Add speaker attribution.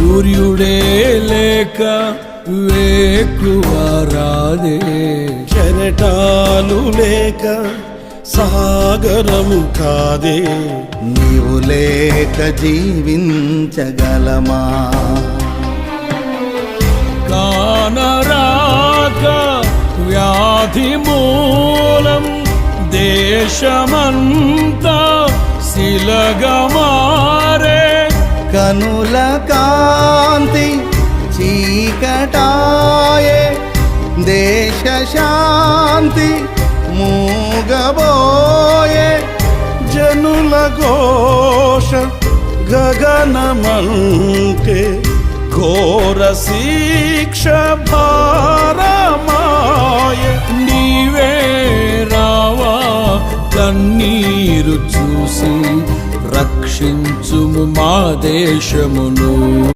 Speaker 1: సూర్యుడే లేక వేకువరాదే,
Speaker 2: కెరటాలు లేక సాగరము కాదే,
Speaker 3: నీవు లేక జీవించగలమా?
Speaker 1: కానరాక వ్యాధి మూలం దేశమంతా శిలగమారే,
Speaker 3: కనుల కాంతి చీకటాయే, దేశ శాంతి మూగబోయే,
Speaker 2: జనుల ఘోష గగనమంటే ఘోర శిక్ష భారమాయ,
Speaker 1: నీవే రావా కన్నీరు చూసి రక్షించుము మా దేశమును.